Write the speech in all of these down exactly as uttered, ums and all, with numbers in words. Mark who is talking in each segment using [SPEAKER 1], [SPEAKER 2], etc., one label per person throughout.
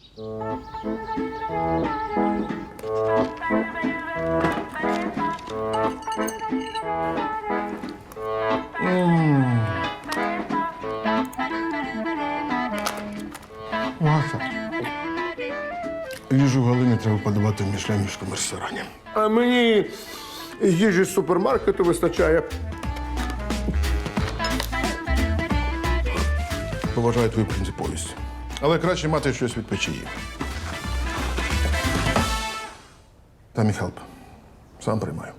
[SPEAKER 1] Маша. Їжу Галині треба подавати в мішленівському ресторані.
[SPEAKER 2] А мені їжі з супермаркету вистачає.
[SPEAKER 1] Поважаю твою принциповість. Але краще мати щось від печії. Та мій хелп. Сам приймаю.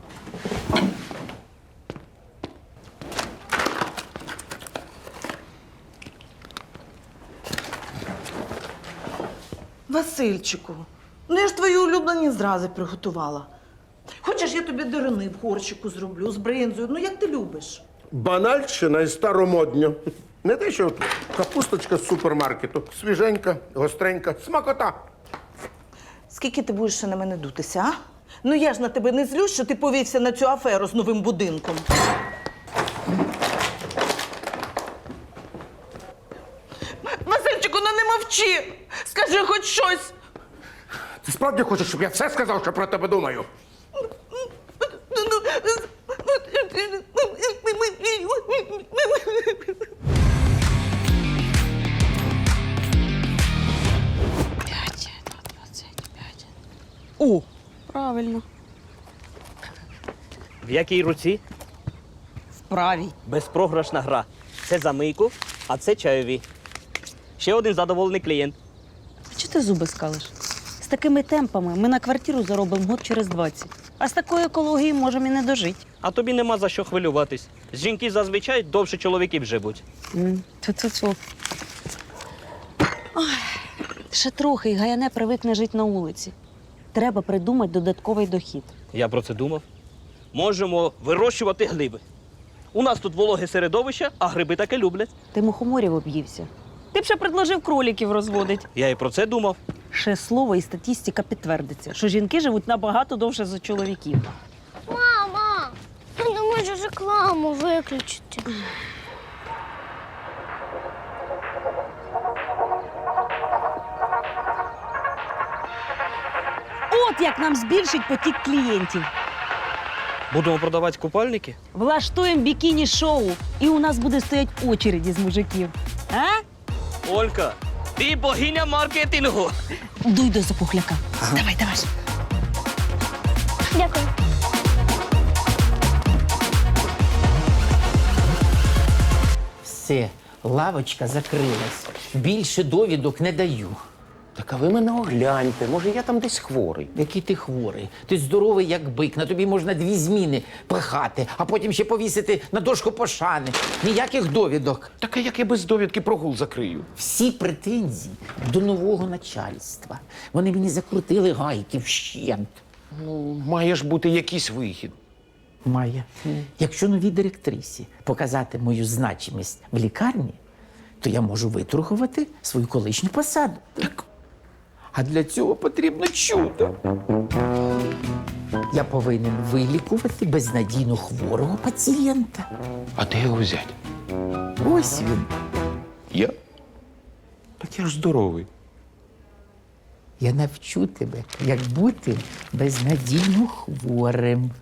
[SPEAKER 3] Васильчику, ну я ж твої улюблені зрази приготувала. Хочеш, я тобі дирини в горщику зроблю з бринзою, ну як ти любиш.
[SPEAKER 2] Банальщина і старомодня. Не те, що капусточка з супермаркету. Свіженька, гостренька, смакота.
[SPEAKER 3] Скільки ти будеш ще на мене дутися, а? Ну я ж на тебе не злюсь, що ти повівся на цю аферу з новим будинком. Васильчику, ну не мовчи! Скажи хоч щось!
[SPEAKER 2] Ти справді хочеш, щоб я все сказав, що про тебе думаю?
[SPEAKER 4] О, правильно.
[SPEAKER 5] В якій руці?
[SPEAKER 4] В правій.
[SPEAKER 5] Безпрограшна гра. Це за мийку, а це чайові. Ще один задоволений клієнт.
[SPEAKER 4] Чого ти зуби скалиш? З такими темпами ми на квартиру заробимо год через двадцять. А з такою екологією можемо і не дожити.
[SPEAKER 5] А тобі нема за що хвилюватись. Жінки зазвичай довше чоловіків живуть.
[SPEAKER 4] Ту-ту-ту. Ой, ще трохи, і Гаяне привикне жити на вулиці. Треба придумати додатковий дохід.
[SPEAKER 5] Я про це думав. Можемо вирощувати гриби. У нас тут вологе середовище, а гриби таке люблять.
[SPEAKER 4] Ти мухоморів об'ївся. Ти б ще предложив кроліків розводити.
[SPEAKER 5] Я і про це думав.
[SPEAKER 4] Ще слово і статистика підтвердиться, що жінки живуть набагато довше за чоловіків.
[SPEAKER 6] Мама, ну не можеш рекламу виключити.
[SPEAKER 4] От як нам збільшить потік клієнтів.
[SPEAKER 5] Будемо продавати купальники?
[SPEAKER 4] Влаштуємо бікіні-шоу, і у нас буде стоять очереді з мужиків. А?
[SPEAKER 5] Олька, ти богиня маркетингу.
[SPEAKER 4] Дуй до запухляка. Давай, давай.
[SPEAKER 6] Дякую.
[SPEAKER 7] Все, лавочка закрилась. Більше довідок не даю.
[SPEAKER 8] Так а ви мене огляньте, може я там десь хворий.
[SPEAKER 7] Який ти хворий? Ти здоровий, як бик. На тобі можна дві зміни пихати, а потім ще повісити на дошку пошани. Ніяких довідок.
[SPEAKER 8] Так а як я без довідки прогул закрию?
[SPEAKER 7] Всі претензії до нового начальства. Вони мені закрутили гайки вщент.
[SPEAKER 8] Ну, має ж бути якийсь вихід.
[SPEAKER 7] Має. Якщо новій директрисі показати мою значимість в лікарні, то я можу витрухувати свою колишню посаду. Так. А для цього потрібно чудо. Я повинен вилікувати безнадійно хворого пацієнта.
[SPEAKER 8] А де його взяти?
[SPEAKER 7] Ось він.
[SPEAKER 8] Я? Так я ж здоровий.
[SPEAKER 7] Я навчу тебе, як бути безнадійно хворим.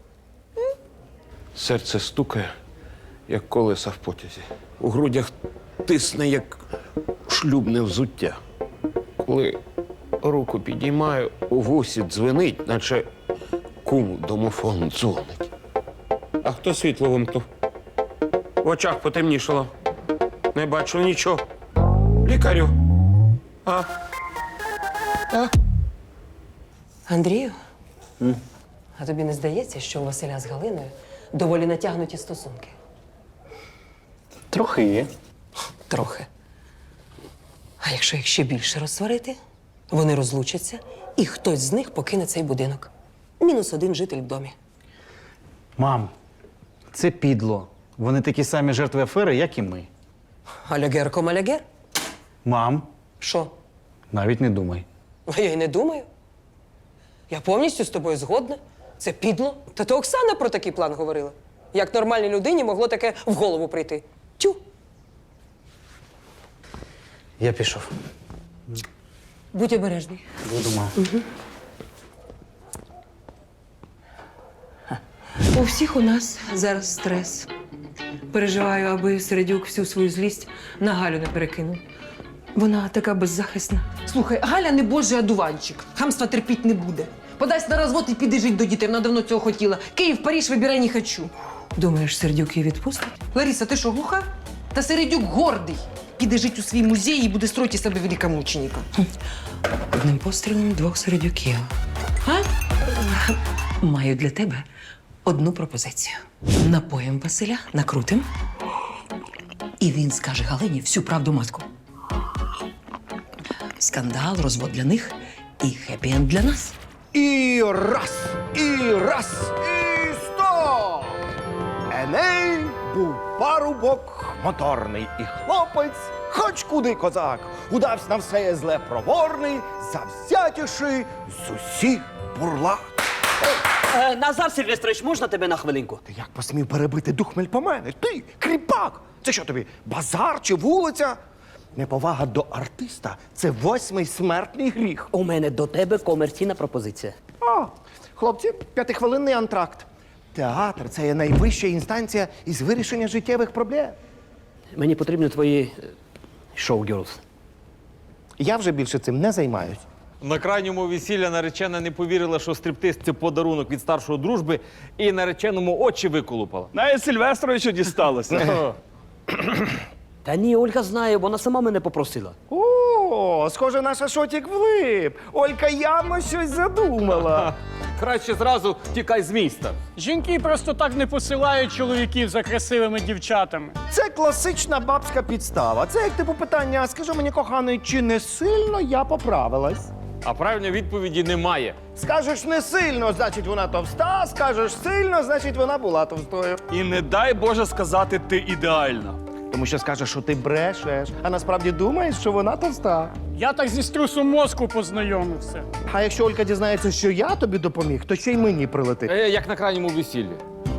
[SPEAKER 8] Серце стукає, як колеса в потязі. У грудях тисне, як шлюбне взуття. Коли руку підіймаю, у вусі дзвенить, наче кум домофон дзвонить. А хто світло вимкнув? В очах потемнішало. Не бачу нічого. Лікарю. А? А?
[SPEAKER 9] Андрію, а тобі не здається, що у Василя з Галиною доволі натягнуті стосунки?
[SPEAKER 8] Трохи є.
[SPEAKER 9] Трохи. А якщо їх ще більше розсварити, вони розлучаться, і хтось з них покине цей будинок. Мінус один житель в домі.
[SPEAKER 10] Мам, це підло. Вони такі самі жертви афери, як і ми.
[SPEAKER 9] Алягер ком алягер?
[SPEAKER 10] Мам,
[SPEAKER 9] Що?
[SPEAKER 10] навіть не думай.
[SPEAKER 9] А я й не думаю. Я повністю з тобою згодна. Це підло. Та то Оксана про такий план говорила. Як нормальній людині могло таке в голову прийти. Тю.
[SPEAKER 10] Я пішов.
[SPEAKER 9] Будь обережний.
[SPEAKER 10] Буду, мам.
[SPEAKER 9] У всіх у нас зараз стрес. Переживаю, аби Середюк всю свою злість на Галю не перекинув. Вона така беззахисна. Слухай, Галя не божий одуванчик. Хамства терпіть не буде. Подасть на розвод і піде жить до дітей. Вона давно цього хотіла. Київ, Париж, вибирай, не хочу. Думаєш, Середюк її відпустить? Лариса, ти що, глуха? Та Середюк гордий. Піде жить у свій музей і буде строїти з себе великомученика. Одним пострілом двох Середюків. А? Маю для тебе одну пропозицію. Напоїм Василя, накрутим, і він скаже Галині всю правду матку. Скандал, розвод для них і хеппі-енд для нас.
[SPEAKER 2] І раз, і раз, і сто! Еней був парубок моторний, і хлопець, хоч куди козак, удавсь на все зле проворний, завзятіший з усіх бурлак.
[SPEAKER 5] Е, Назар Сильвестрович, можна тебе на хвилинку?
[SPEAKER 2] Ти як посмів перебити дух мельпомени? Ти, кріпак! Це що тобі, базар чи вулиця? Неповага до артиста – це восьмий смертний гріх.
[SPEAKER 5] У мене до тебе комерційна пропозиція.
[SPEAKER 2] А, хлопці, п'ятихвилинний антракт. Театр – це є найвища інстанція із вирішення життєвих проблем.
[SPEAKER 5] Мені потрібні твої е, шоу-герлс.
[SPEAKER 2] Я вже більше цим не займаюсь.
[SPEAKER 8] На крайньому весілля наречена не повірила, що стриптиз – це подарунок від старшої дружби, і нареченому очі виколупала.
[SPEAKER 10] Навіть Сильвестровичу дісталося.
[SPEAKER 5] Та ні, Ольга знає, вона сама мене попросила.
[SPEAKER 2] О, схоже, наша шотік влип. Олька явно щось задумала.
[SPEAKER 8] Краще зразу тікай з міста.
[SPEAKER 11] Жінки просто так не посилають чоловіків за красивими дівчатами.
[SPEAKER 2] Це класична бабська підстава. Це як типу питання, скажи мені, коханий, чи не сильно я поправилась?
[SPEAKER 8] А правильної відповіді немає.
[SPEAKER 2] Скажеш не сильно, значить вона товста, скажеш сильно, значить вона була товстою.
[SPEAKER 10] І не дай Боже сказати, ти ідеальна.
[SPEAKER 2] Тому що скажеш, що ти брешеш, а насправді думаєш, що вона товста.
[SPEAKER 11] Я так зі струсом мозку познайомився.
[SPEAKER 2] А якщо Олька дізнається, що я тобі допоміг, то ще й мені прилетить.
[SPEAKER 8] Е, як на крайньому весіллі.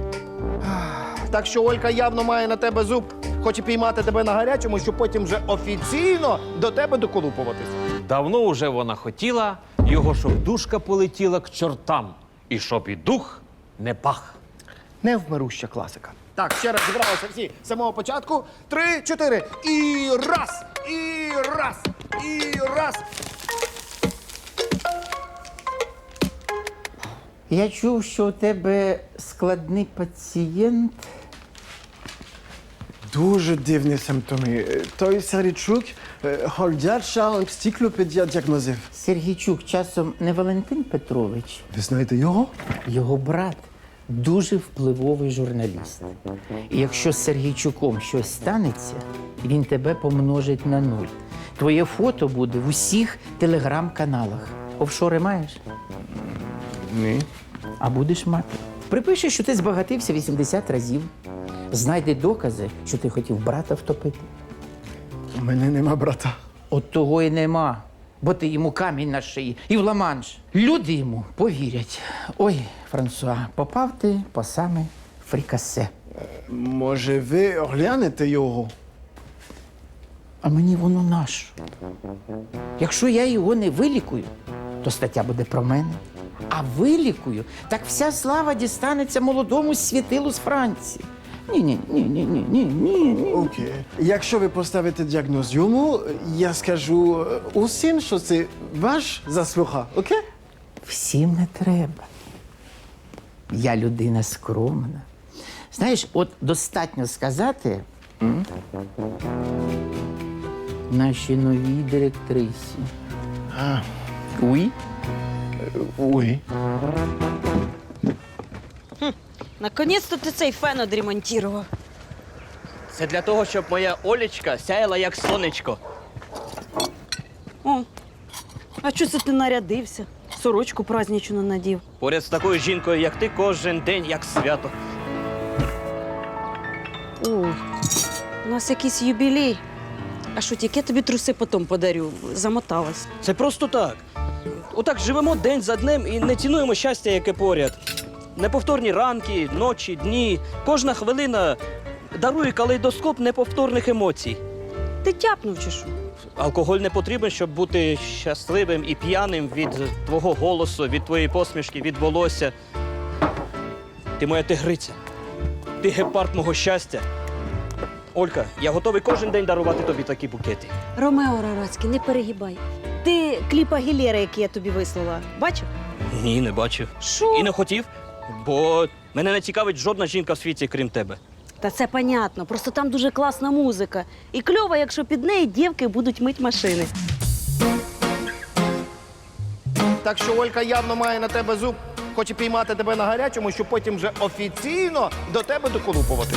[SPEAKER 2] Так що Олька явно має на тебе зуб, хоче піймати тебе на гарячому, щоб потім вже офіційно до тебе доколупуватись.
[SPEAKER 8] Давно уже вона хотіла, його щоб душка полетіла к чортам. І щоб і дух не пах.
[SPEAKER 2] Невмируща класика. Так, ще раз зібралися всі з самого початку. Три, чотири. І раз, і раз, і раз.
[SPEAKER 7] Я чув, що у тебе складний пацієнт.
[SPEAKER 12] Дуже дивні симптоми. Той Середчук ходяча енциклопедія діагнозів.
[SPEAKER 7] Сергійчук часом не Валентин Петрович,
[SPEAKER 12] Ви знаєте його?
[SPEAKER 7] його брат. Дуже впливовий журналіст. І якщо з Сергійчуком щось станеться, він тебе помножить на нуль. Твоє фото буде в усіх телеграм-каналах. Офшори маєш?
[SPEAKER 12] Ні.
[SPEAKER 7] А будеш мати. Припиши, що ти збагатився вісімдесят разів. Знайди докази, що ти хотів брата втопити.
[SPEAKER 12] У мене нема брата.
[SPEAKER 7] От того і нема. Бо ти йому камінь на шиї і в ла-манш. Люди йому повірять. Ой, Франсуа, попав ти по саме фрікасе.
[SPEAKER 12] Може, ви оглянете його?
[SPEAKER 7] А мені воно нащо? Якщо я його не вилікую, то стаття буде про мене. А вилікую, так вся слава дістанеться молодому світилу з Франції. Ні-ні, ні-ні, ні, ні.
[SPEAKER 12] Окей. Якщо ви поставите діагноз йому, я скажу усім, що це ваш заслуга, окей?
[SPEAKER 7] Всім не треба. Я людина скромна. Знаєш, от достатньо сказати м? нашій новій директрисі.
[SPEAKER 12] А,
[SPEAKER 7] Уй.
[SPEAKER 12] уй.
[SPEAKER 4] Наконець-то ти цей фен одремонтував.
[SPEAKER 5] Це для того, щоб моя Олечка сяяла як сонечко.
[SPEAKER 4] О, а чого це ти нарядився? Сорочку праздничну надів.
[SPEAKER 5] Поряд з такою жінкою, як ти, кожен день як свято.
[SPEAKER 4] О, у нас якийсь юбілей. А що, тільки я тобі труси потім подарю? Замоталась.
[SPEAKER 5] Це просто так. Отак живемо день за днем і не цінуємо щастя, яке поряд. Неповторні ранки, ночі, дні. Кожна хвилина дарує калейдоскоп неповторних емоцій.
[SPEAKER 4] Ти тяпнув чи що?
[SPEAKER 5] Алкоголь не потрібен, щоб бути щасливим і п'яним від твого голосу, від твоєї посмішки, від волосся. Ти моя тигриця. Ти гепард мого щастя. Олька, я готовий кожен день дарувати тобі такі букети.
[SPEAKER 4] Ромео Рарацький, не перегибай. Ти кліп Агілєра, який я тобі вислала, бачив?
[SPEAKER 5] Ні, не бачив.
[SPEAKER 4] Що?
[SPEAKER 5] І не хотів, бо мене не цікавить жодна жінка в світі, крім тебе.
[SPEAKER 4] Та це понятно, просто там дуже класна музика. І кльово, якщо під неї дівки будуть мить машини.
[SPEAKER 2] Так що Олька явно має на тебе зуб, хоче піймати тебе на гарячому, щоб потім вже офіційно до тебе доколупуватися.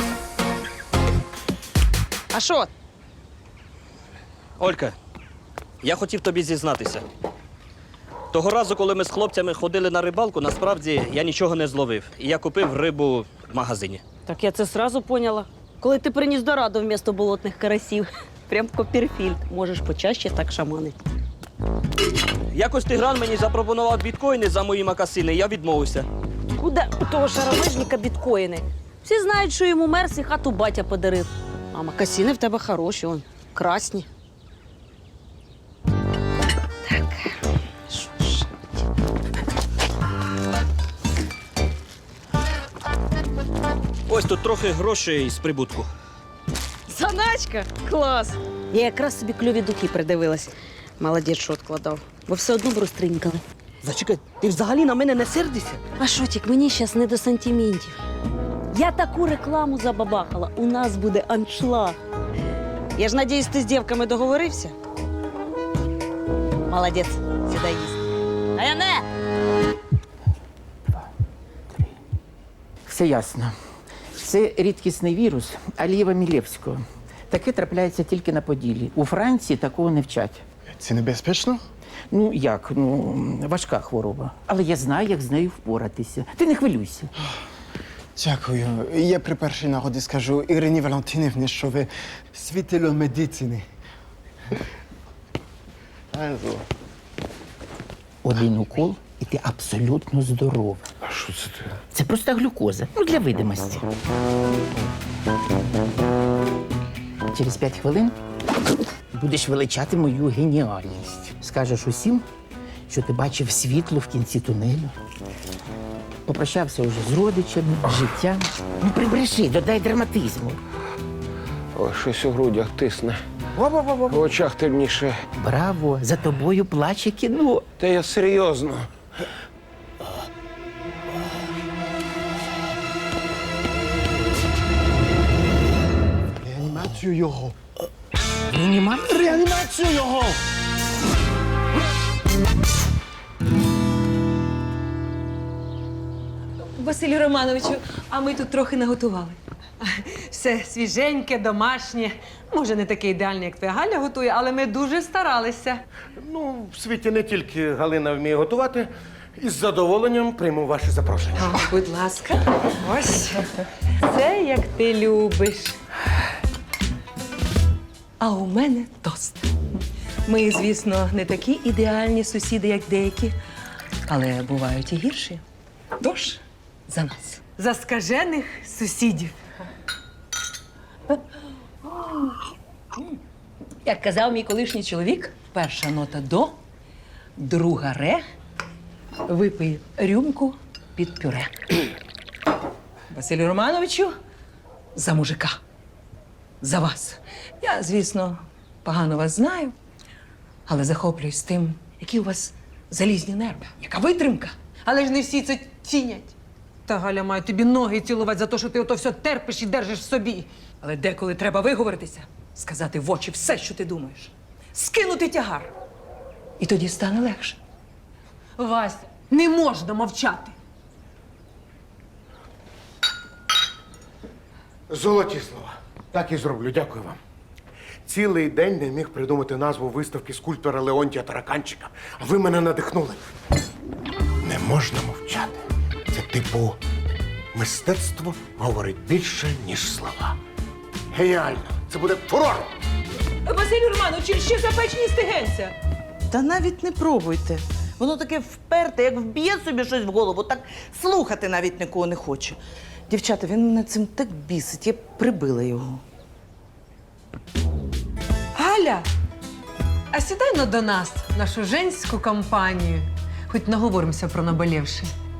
[SPEAKER 4] А що?
[SPEAKER 5] Олька, я хотів тобі зізнатися. Того разу, коли ми з хлопцями ходили на рибалку, насправді я нічого не зловив. І я купив рибу в магазині.
[SPEAKER 4] Так я це сразу поняла. Коли ти приніс дораду вмісто болотних карасів. Прям Копперфільд. Можеш почаще так шаманити.
[SPEAKER 5] Якось Тигран мені запропонував біткоїни за мої макасини, я відмовився.
[SPEAKER 4] Куди у того шаромижника біткоїни? Всі знають, що йому Мерс і хату батя подарив. А макасини в тебе хороші, он, красні. Так, що ж?
[SPEAKER 5] Ось тут трохи грошей з прибутку.
[SPEAKER 4] Заначка? Клас! Я якраз собі кльові духи придивилась. Молодець, що відкладав. Бо все одно б розтринькали.
[SPEAKER 5] Зачекай, ти взагалі на мене не сердишся?
[SPEAKER 4] А шотік, мені зараз не до сантиментів. Я таку рекламу забабахала. У нас буде аншлаг. Я ж надіюсь, ти з дівками договорився? Молодець, сідай їсти. А я не!
[SPEAKER 7] Все ясно. Це рідкісний вірус Алієва Мілєвського. Таке трапляється тільки на Поділлі. У Франції такого не вчать.
[SPEAKER 12] Це небезпечно?
[SPEAKER 7] Ну як, ну важка хвороба. Але я знаю, як з нею впоратися. Ти не хвилюйся.
[SPEAKER 12] Дякую. Я при першій нагоді скажу Ірині Валентинівні, що ви світило медицини.
[SPEAKER 7] Один укол, і ти абсолютно здорова.
[SPEAKER 1] А що це ти?
[SPEAKER 7] Це просто глюкоза. Ну, для видимості. Через п'ять хвилин будеш величати мою геніальність. Скажеш усім, що ти бачив світло в кінці тунелю. Попрощався вже з родичами, з життям. Ну, прибреши, додай драматизму.
[SPEAKER 13] Ой, щось у грудях тисне. В очах темніше.
[SPEAKER 7] Браво! За тобою плаче кіно.
[SPEAKER 13] Та я серйозно.
[SPEAKER 12] Реанімацію його.
[SPEAKER 7] Реанімація?
[SPEAKER 12] Реанімацію його!
[SPEAKER 9] Василю Романовичу, а ми тут трохи наготували. Все свіженьке, домашнє. Може, не таке ідеальне, як твоя Галя готує, але ми дуже старалися.
[SPEAKER 2] Ну, в світі не тільки Галина вміє готувати. Із задоволенням прийму ваше запрошення.
[SPEAKER 9] О, будь ласка, ось. Це як ти любиш. А у мене тост. Ми, звісно, не такі ідеальні сусіди, як деякі, але бувають і гірші. Тож, за нас. За скажених сусідів. Як казав мій колишній чоловік, перша нота до, друга ре, випий рюмку під пюре. Василю Романовичу, за мужика. За вас. Я, звісно, погано вас знаю, але захоплююсь тим, які у вас залізні нерви, яка витримка. Але ж не всі це цінять. Та Галя має тобі ноги цілувати за те, що ти ото все терпиш і держиш в собі. Але деколи треба виговоритися, сказати в очі все, що ти думаєш. Скинути тягар. І тоді стане легше. Вася, не можна мовчати.
[SPEAKER 2] Золоті слова. Так і зроблю. Дякую вам. Цілий день не міг придумати назву виставки скульптора Леонтія Тараканчика. А ви мене надихнули. Не можна мовчати. Це типу мистецтво говорить більше, ніж слова. Геніально! Це буде фурор!
[SPEAKER 9] Василю Романовичу, ще запечені стегенця.
[SPEAKER 3] Та навіть не пробуйте. Воно таке вперте, як вб'є собі щось в голову, так слухати навіть нікого не хоче. Дівчата, він мене цим так бісить, я б прибила його. А,
[SPEAKER 9] Галя, а сідай ну до нас, в нашу женську компанію. Хоч наговоримося про наболівши.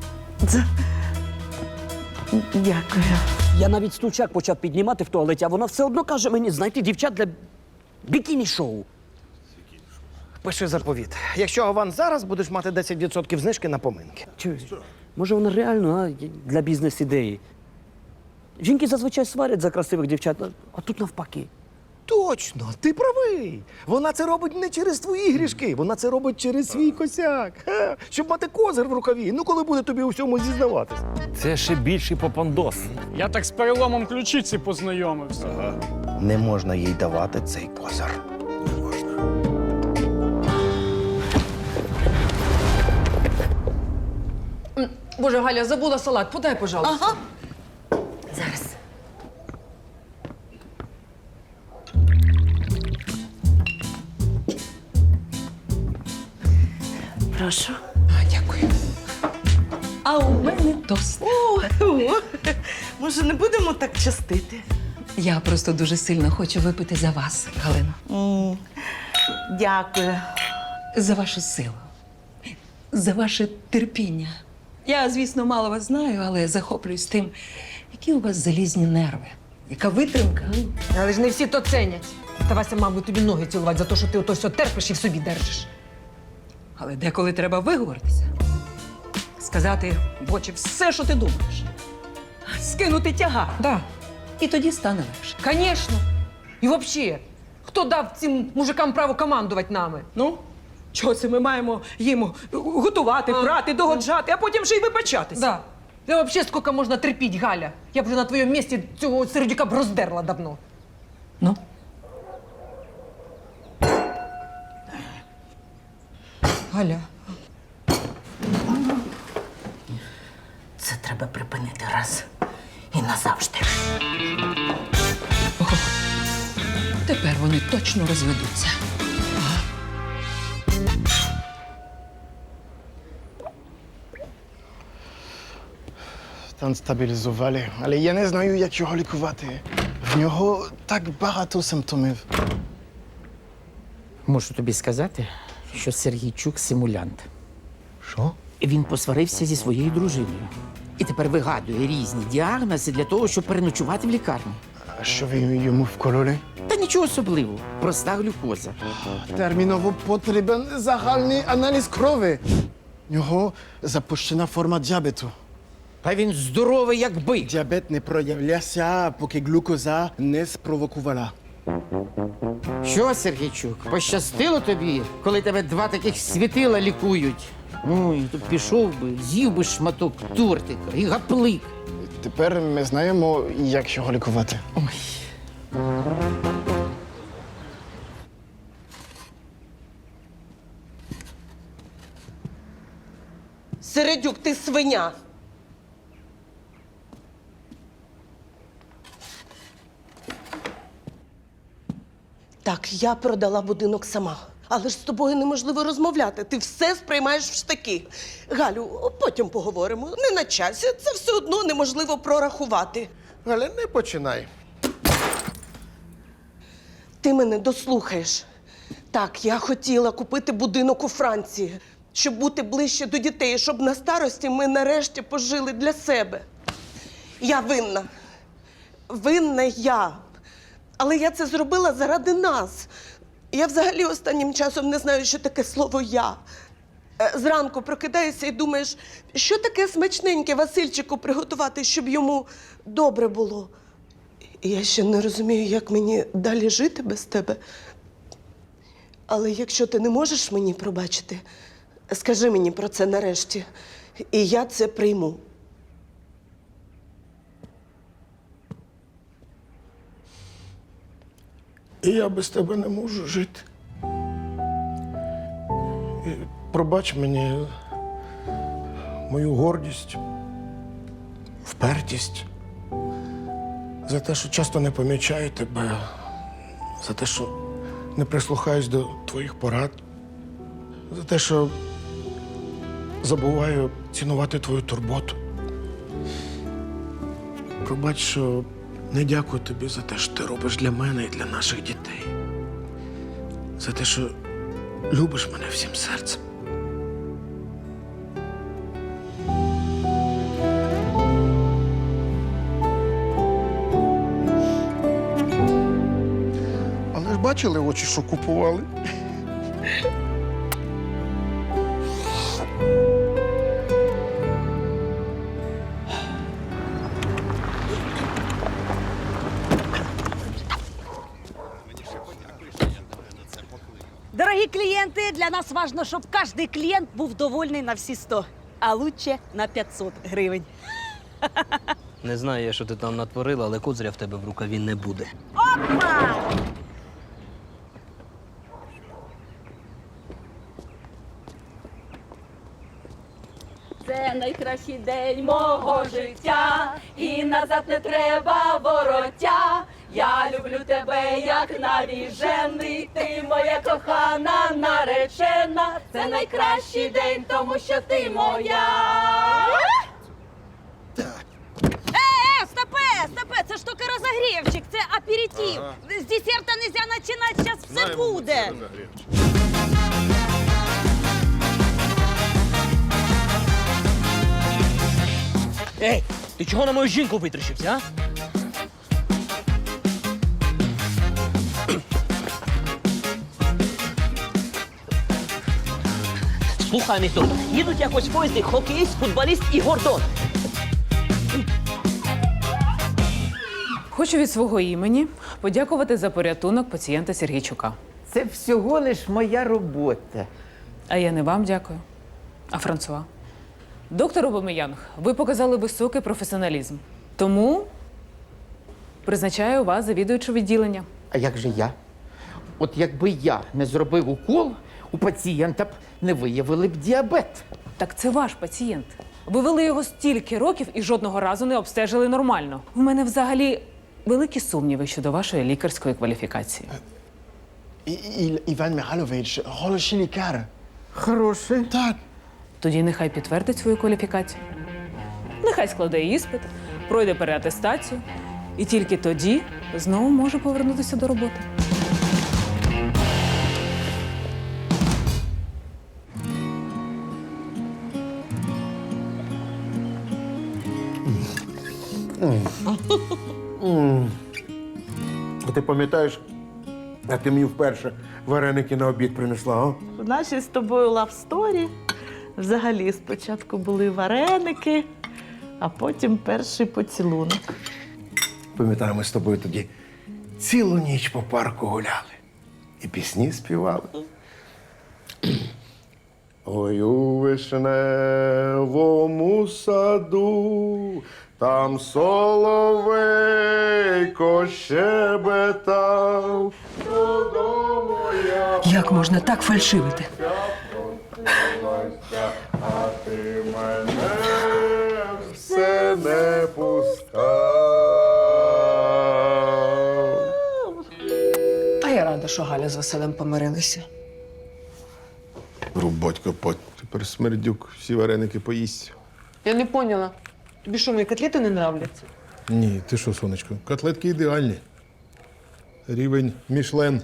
[SPEAKER 3] Дякую.
[SPEAKER 5] Я навіть стульчак почав піднімати в туалеті, а вона все одно каже мені знайти дівчат для бікіні-шоу.
[SPEAKER 14] Пиши заповіт. Якщо аванс зараз, будеш мати десять відсотків знижки на поминки.
[SPEAKER 5] Чуєш? Може, вона реально а, для бізнес-ідеї. Жінки зазвичай сварять за красивих дівчат, а- а тут навпаки.
[SPEAKER 14] Точно, ти правий. Вона це робить не через твої грішки, вона це робить через свій косяк. Ха, щоб мати козир в рукаві. Ну, коли буде тобі у всьому зізнаватись.
[SPEAKER 8] Це ще більший попандос.
[SPEAKER 11] Я так з переломом ключиці познайомився.
[SPEAKER 14] Не можна їй давати цей козир.
[SPEAKER 9] Боже, Галя, забула салат. Подай, пожалуйста.
[SPEAKER 3] Ага.
[SPEAKER 4] Зараз. Прошу.
[SPEAKER 9] А, дякую. А у мене тост.
[SPEAKER 3] О, о, може, не будемо так частити?
[SPEAKER 9] Я просто дуже сильно хочу випити за вас, Галино.
[SPEAKER 3] М, Дякую.
[SPEAKER 9] За вашу силу. За ваше терпіння. Я, звісно, мало вас знаю, але захоплююсь тим, які у вас залізні нерви. Яка витримка. Але ж не всі то ценять. Та Вася мав би тобі ноги цілувати за те, що ти ото все терпиш і в собі держиш. Але деколи треба виговоритися. Сказати в очі все, що ти думаєш. Скинути тягар. Да. І тоді стане легше. Звісно. І взагалі, хто дав цим мужикам право командувати нами? Ну? Чого це ми маємо їм готувати, прати, догоджати, а потім ще й вибачатися? Да. Та взагалі скільки можна терпіти, Галя? Я б вже на твоєму місці цього сердюка б роздерла давно. Ну? Галя.
[SPEAKER 4] Це треба припинити раз і назавжди.
[SPEAKER 9] Тепер вони точно розведуться.
[SPEAKER 12] Стан стабілізували, але я не знаю, як його лікувати. В нього так багато симптомів.
[SPEAKER 7] Можу тобі сказати, що Сергійчук симулянт.
[SPEAKER 12] Що?
[SPEAKER 7] Він посварився зі своєю дружиною. І тепер вигадує різні діагнози для того, щоб переночувати в лікарні.
[SPEAKER 12] А що ви йому вкололи?
[SPEAKER 7] Та нічого особливого. Проста глюкоза.
[SPEAKER 12] Терміново потрібен загальний аналіз крові. В нього запущена форма діабету.
[SPEAKER 7] Та він здоровий, як бик.
[SPEAKER 12] Діабет не проявлявся, поки глюкоза не спровокувала.
[SPEAKER 7] Що, Сергійчук, пощастило тобі, коли тебе два таких світила лікують? Ой, то пішов би, з'їв би шматок тортика і гаплик.
[SPEAKER 12] Тепер ми знаємо, як його лікувати.
[SPEAKER 7] Ой.
[SPEAKER 3] Середюк, ти свиня. Так, я продала будинок сама. Але ж з тобою неможливо розмовляти. Ти все сприймаєш в штаки. Галю, потім поговоримо. Не на часі. Це все одно неможливо прорахувати.
[SPEAKER 2] Галя, не починай.
[SPEAKER 3] Ти мене дослухаєш. Так, я хотіла купити будинок у Франції, щоб бути ближче до дітей, щоб на старості ми нарешті пожили для себе. Я винна. Винна я. Але я це зробила заради нас. Я взагалі останнім часом не знаю, що таке слово «я». Е, Зранку прокидаєшся і думаєш, що таке смачненьке Васильчику приготувати, щоб йому добре було. І я ще не розумію, як мені далі жити без тебе. Але якщо ти не можеш мені пробачити, скажи мені про це нарешті, і я це прийму.
[SPEAKER 2] І я без тебе не можу жити. І пробач мені мою гордість, впертість, за те, що часто не помічаю тебе, за те, що не прислухаюсь до твоїх порад, за те, що забуваю цінувати твою турботу. Пробач, що не дякую тобі за те, що ти робиш для мене і для наших дітей.
[SPEAKER 12] за те, що любиш мене всім серцем.
[SPEAKER 1] Але ж бачили очі, що купували?
[SPEAKER 4] Дорогі клієнти, для нас важливо, щоб кожен клієнт був довольний на всі сто, а лучше на п'ятсот гривень.
[SPEAKER 5] Не знаю я, що ти там натворила, але козиря в тебе в рукаві не буде.
[SPEAKER 4] Опа! Це найкращий день мого життя, і назад не треба вороття. Я люблю тебе, як навіжений, ти моя кохана наречена. Це найкращий день, тому що ти моя. Е, стопе, стопе, це ж тільки розогрівчик, це аперитив. З десерта нельзя починати, зараз все буде.
[SPEAKER 5] Ей, ти чого на мою жінку витріщився, а? Слухай, місто, їдуть якось в поїзді хокеїст, футболіст і Гордон.
[SPEAKER 9] Хочу від свого імені подякувати за порятунок пацієнта Сергійчука.
[SPEAKER 7] Це всього лиш моя робота.
[SPEAKER 9] А я не вам дякую, а Франсуа. Доктор Обомеянг, ви показали високий професіоналізм. Тому призначаю вас завідуючу відділення.
[SPEAKER 7] А як же я? От якби я не зробив укол, у пацієнта б не виявили б діабет.
[SPEAKER 9] Так це ваш пацієнт. Ви вели його стільки років і жодного разу не обстежили нормально. У мене взагалі великі сумніви щодо вашої лікарської кваліфікації.
[SPEAKER 12] І, і, Іван Михайлович, хороший лікар.
[SPEAKER 7] Хороший.
[SPEAKER 12] Так.
[SPEAKER 9] Тоді нехай підтвердить свою кваліфікацію. Нехай складе іспит, пройде переатестацію. І тільки тоді знову може повернутися до роботи.
[SPEAKER 2] А ти пам'ятаєш, як ти мені вперше вареники на обід принесла, а?
[SPEAKER 3] У нашій з тобою лавсторі взагалі спочатку були вареники, а потім перший поцілунок.
[SPEAKER 2] Пам'ятаю, ми з тобою тоді цілу ніч по парку гуляли і пісні співали. Ой, у вишневому саду, там соловейко щебетав. Додому я
[SPEAKER 9] Як можна так фальшивити?
[SPEAKER 2] а ти мене все не пускав.
[SPEAKER 9] А я рада, що Галя з Василем помирилися.
[SPEAKER 1] Рубать копать. Тепер смердюк всі вареники поїсть.
[SPEAKER 9] Я не поняла. Тобі що, мої котлети не нравляться?
[SPEAKER 1] Ні, ти що, сонечко, котлетки ідеальні. Рівень Мішлен.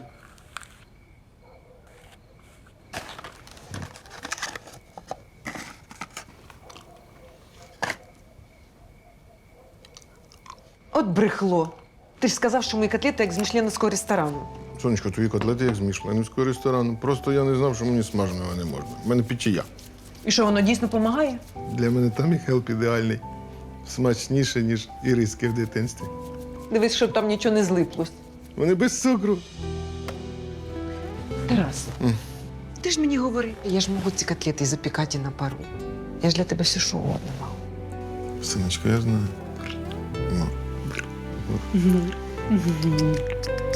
[SPEAKER 9] От брехло. Ти ж сказав, що мої котлети як з мішленовського ресторану.
[SPEAKER 1] Сонечко, твої котлети як з мішленівського ресторану. Просто я не знав, що мені смаженого не можна. У мене печія.
[SPEAKER 9] І що, воно дійсно допомагає?
[SPEAKER 1] Для мене там і хелп ідеальний. Смачніше, ніж іриски в дитинстві.
[SPEAKER 9] Дивись, щоб там нічого не злиплось.
[SPEAKER 1] Вони без цукру.
[SPEAKER 9] Тарас, ти ж мені говори. Я ж можу ці котлети запікати на пару. Я ж для тебе все що угодно мав.
[SPEAKER 1] Синочко, я знаю. Ну.